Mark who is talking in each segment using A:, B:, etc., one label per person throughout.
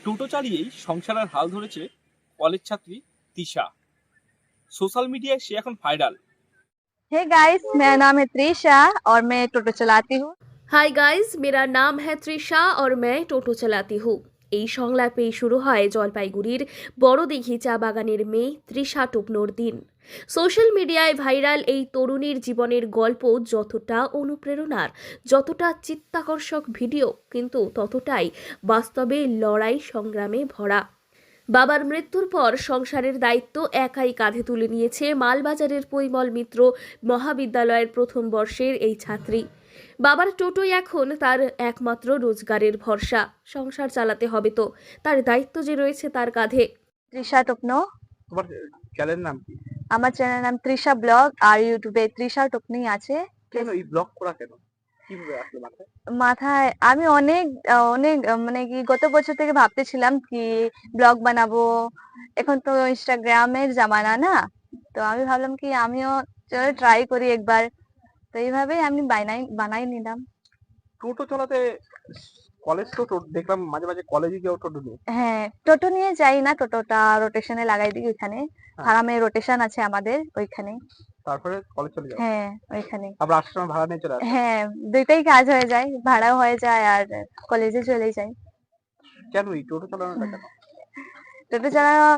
A: টোটো চালিয়েই সংসারের হাল ধরেছে কলেজ ছাত্রী তিশা। সোশ্যাল মিডিয়ায় সে এখন ভাইরাল।
B: हे गाइस, मेरा नाम है त्रिशा और मैं टोटो चलाती हूँ।
C: हाय गाइस, मेरा नाम है तृषा और मैं টোটো চালাতি हूँ। এই সংলাপেই শুরু হয় জলপাইগুড়ির বড়দিঘি চা বাগানের মেয়ে তৃষা টোপনোর দিন। সোশ্যাল মিডিয়ায় ভাইরাল এই তরুণীর জীবনের গল্প যতটা অনুপ্রেরণার, যতটা চিত্তাকর্ষক ভিডিও, কিন্তু ততটাই বাস্তবে লড়াই সংগ্রামে ভরা। বাবার মৃত্যুর পর সংসারের দায়িত্ব একাই কাঁধে তুলে নিয়েছে মালবাজারের পরিমল মিত্র মহাবিদ্যালয়ের প্রথম বর্ষের এই ছাত্রী। বাবার টোটোই এখন তার একমাত্র রোজগারের ভরসা। সংসার চালাতে হবে তো, তার দায়িত্ব যে রয়েছে তার কাঁধে।
B: त्रिशा टोपनो।
A: তোমার চ্যানেল নাম কি?
B: আমার চ্যানেল নাম তৃষা ব্লগ আর ইউটিউবে তৃষা টোপনি আছে।
A: কেন এই ব্লগ করা কেন? কিভাবে আসলো মাথায়?
B: মাথায় আমি অনেক অনেক মানে কি গত বছর থেকে ভাবতেছিলাম কি ব্লগ বানাবো। এখন তো ইনস্টাগ্রামের জামানা না, তো আমি ভাবলাম কি আমিও চলো ট্রাই করি একবার। তো এইভাবেই আমি বানাই নিলাম।
A: টোটো চালাতে কলেজ তো দেখলাম মাঝে মাঝে কলেজে গিয়েও টোটো নিয়ে।
B: হ্যাঁ, টোটো নিয়ে যাই না, টোটোটা রোটেশনে লাগাই দিই ওইখানে। ফার্মে রোটেশন আছে আমাদের ওইখানে।
A: তারপরে কলেজ চলে যাও।
B: হ্যাঁ, ওইখানে।
A: আবার আসার সময় ভাড়া নিয়ে চলে আসো।
B: হ্যাঁ, দুইটাই কাজ হয়ে যায়, ভাড়াও হয়ে যায় আর কলেজে চলে যাই।
A: কেন এই টোটো চালানোটা কেন?
B: টোটো চালানো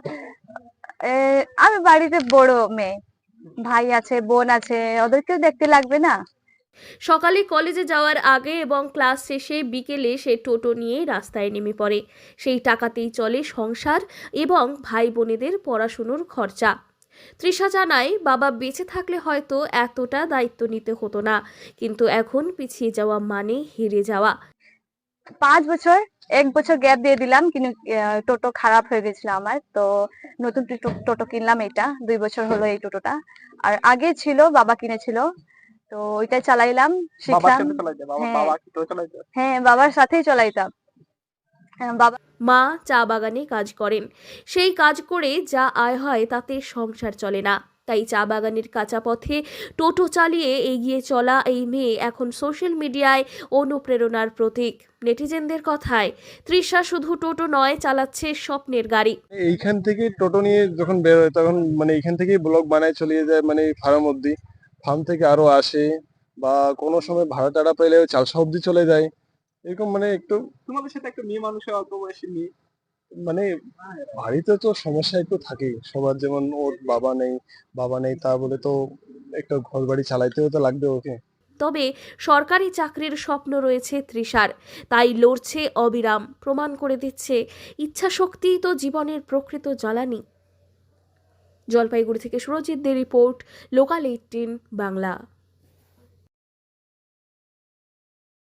B: আমি বাড়িতে বড় মেয়ে, ভাই আছে, বোন আছে, ওদেরকেও দেখতে লাগবে না।
C: সকালে কলেজে যাওয়ার আগে এবং ক্লাস শেষে বিকেলে সে টোটো নিয়ে রাস্তায় নেমে পড়ে। সেই টাকাতেই চলে সংসার এবং ভাই বোনেদের পড়াশুনোর খরচা। তৃষা জানায়, বাবা বেঁচে থাকলে হয়তো এতটা দায়িত্ব নিতে হতো না, কিন্তু এখন পিছিয়ে যাওয়া মানে হেরে যাওয়া।
B: 5 বছর, 1 বছর গ্যাপ দিয়ে দিলাম, কিন্তু টোটো খারাপ হয়ে গেছিল আমার, তো নতুন টোটো কিনলাম। এটা 2 বছর হলো এই টোটোটা। আর আগে ছিল, বাবা কিনেছিল, তো ওইটাই চালাইলাম,
A: বাবার
B: শিখলাম।
A: সাথে চালাইতে?
B: হ্যাঁ
A: বাবা কি টোটো চালাইতে?
B: হ্যাঁ, বাবার সাথেই চালাইতাম। বাবা
C: মা চা বাগানে কাজ করেন। সেই কাজ করে যা আয় হয় তাতে সংসার চলে না। তাই চা বাগানের কাঁচা পথে টোটো চালিয়ে এগিয়ে চলা এই মেয়ে এখন সোশ্যাল মিডিয়ায় অনুপ্রেরণার প্রতীক। নেটিজেনদের কথায়, তৃষা শুধু টোটো নয়, চালাচ্ছে স্বপ্নের গাড়ি।
D: এইখান থেকে টোটো নিয়ে যখন বের হয় তখন মানে এইখান থেকেই ব্লগ বানায় চলে যায়, মানে ফার্ম অব্দি, ফার্ম থেকে আরো আসে, বা কোনো সময় ভাড়া টাড়া পেলে চালসা অব্দি চলে যায়। এরকম মানে একটু
A: তোমাদের সাথে একটা মেয়ে মানুষের, অল্প বয়সী মেয়ে।
D: মানে বাড়িতে তো সমস্যা একটু থাকেই সবার, যেমন ওর বাবা নেই তা বলে তো একটা ঘর বাড়ি চালাইতেও তো লাগবে ওকে।
C: তবে সরকারি চাকরির স্বপ্ন রয়েছে তৃষার, তাই লড়ছে অবিরাম, প্রমাণ করে দিচ্ছে ইচ্ছাশক্তিই তো জীবনের প্রকৃত জ্বালানি। জলপাইগুড়ি থেকে সুরজিৎ দে রিপোর্ট, লোকাল 18 বাংলা।